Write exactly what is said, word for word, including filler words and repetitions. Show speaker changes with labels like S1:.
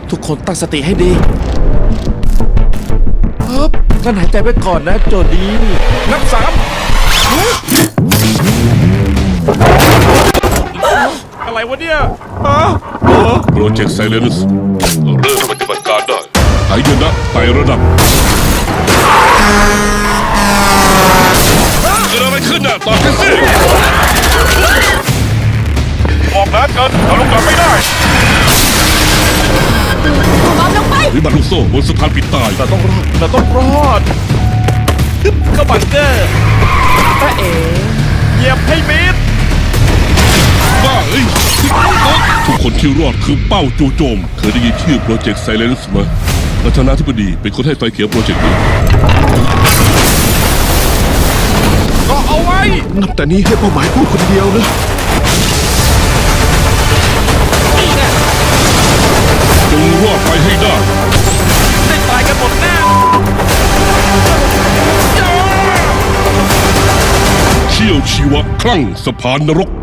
S1: ทุกคนตั้งสติให้ดีฮึบงั้นหายใจไปก่อนนะโจดีนับสามอะไรวะเนี่ยฮะ
S2: โปรเจกต์ไซเลนส์เริ่มปฏิบัติการได้หายนะไต่ระดับเกิดอะไรขึ้นน่ะตอบกันสิออกนะเกินเราลงกลับไม่ได้
S3: บอมลงไป
S2: วิบัติลูกโซ่บนสะพานปิดตาย
S1: เราต้องรอดเราต้องรอดฮึบเข้าบังเกอร์ตาเอ๋เหยียบให้มิด
S2: บ้าเอ้ยทุกคนที่รอดคือเป้าจู่โจมเคยได้ยินชื่อโปรเจกต์ไซเลนส์ไหมประธานาธิบดีเป็นคนให้ไฟเขียวโปรเจกต์นี้
S1: ก็เอาไว้
S4: นับแต่นี้ให้เป้าหมายพูดคนเดียวนะ
S2: จงรอดไปให้ได้
S1: ได้ตายกันหมดแน่
S2: เชี่ยวชีวะคลั่งสะพานนรก